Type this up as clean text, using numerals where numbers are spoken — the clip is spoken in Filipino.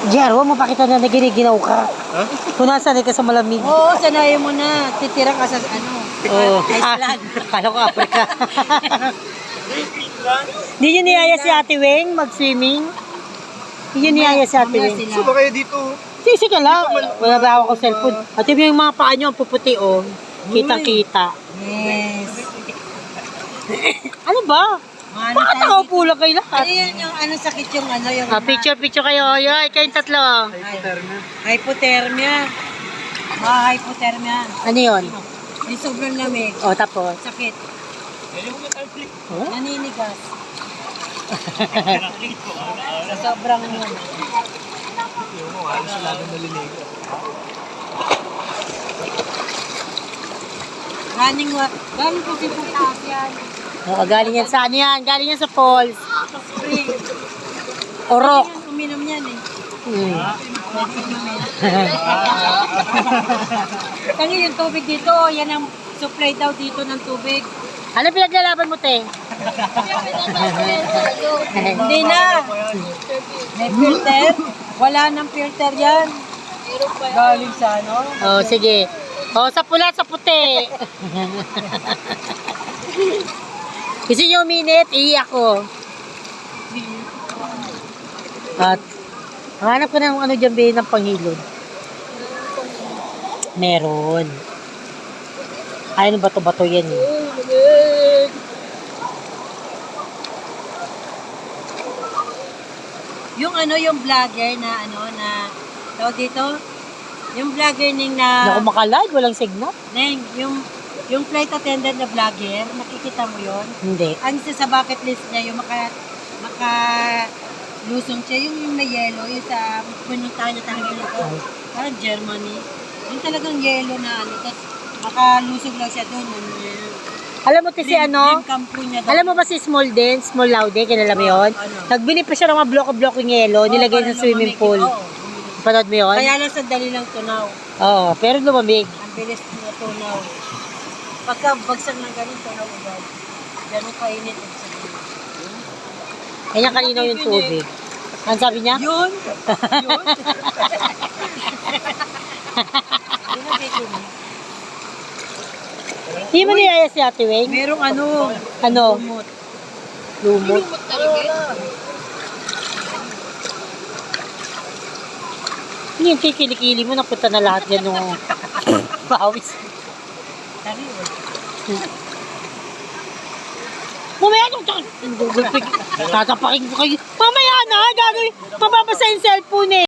Jero, mapakita na nagiginaw ka. Ha? Kung nasanay ka sa malamig. Oo, sanayin mo na. Titira ka sa ano. Oo. Iceland. Kala ko Africa. Hindi nyo niyaya si Ate Weng mag-swimming? Hindi nyo niyaya si Ate Mamaya Weng? sila. So ba kayo dito? Sige ka lang. Wala ba ako cellphone? Ate Weng, yung mga paa nyo, ang puputi oh. Kitang-kita. Yes. Ano ba? Ano Bakit tayo nakaupo lang kayo dito? lahat? Ano yan yung ano sakit yung ano yung Picture kayo. Yoy, kayong tatlo. hypothermia. Hypothermia. Ano yun? Yung sobrang lamig. O, tapos. Sakit. Oh? Naninigas. Sa sobrang yun. Galing po sa taas yan. O, galing yan sa ano yan? Galing yan sa falls. Spring. Orok. Yan, uminom yan eh. Tangi yung tubig dito, yan ang supply daw dito ng tubig. Ano pinaglalaban mo, te? Hindi na. May filter. Wala nang filter yan. Galing sa ano? O, sige. O, sa pula, sa puti. Gusto nyo uminit? Iiyak ko. At, hanap ka ng ano dyan, be, ng panghilod. Meron. Ay, ano bato-bato yan eh. Yung ano, yung vlogger na ano, na, tawag dito, yung vlogger ning na, Naku, makalive, walang signal. Neng, yung flight attendant na vlogger, nakikita mo yon. Hindi. Ang isa sa bucket list niya, yung lusong siya, yung may yellow, yung sa pununtahan na talaga dito, parang Germany. Yung talagang yellow na ano, tapos makalusog lang siya doon. Alam mo, si ano? Dream camp po niya doon. Alam mo ba si Small Den, Small Laude, kilala mo yun? Ano? Nagbili pa siya ng mga bloko-bloko ng yelo, nilagay para sa swimming lumamig. pool. Oo. Panood mo yun? Kaya lang sandali lang tunaw. Oo, pero lumamig. Ang bilis na tunaw. Pagka bagsak ng ganun, tunaw agad. Ganun kainit. Kanya kanino yung tubig. Ano sabi niya? Yun! Yun! Yun ang tikinig. Hindi mo niyaya si Ate Weng? Merong ano, Ano? lumot. Lumot. Hindi yung kikilikili mo, napunta na lahat yan nung pawis. Tari, Mamaya yung Google Pig. Tatapakin ko kayo. Mamaya na, gagawin. Mababasa yung cellphone eh.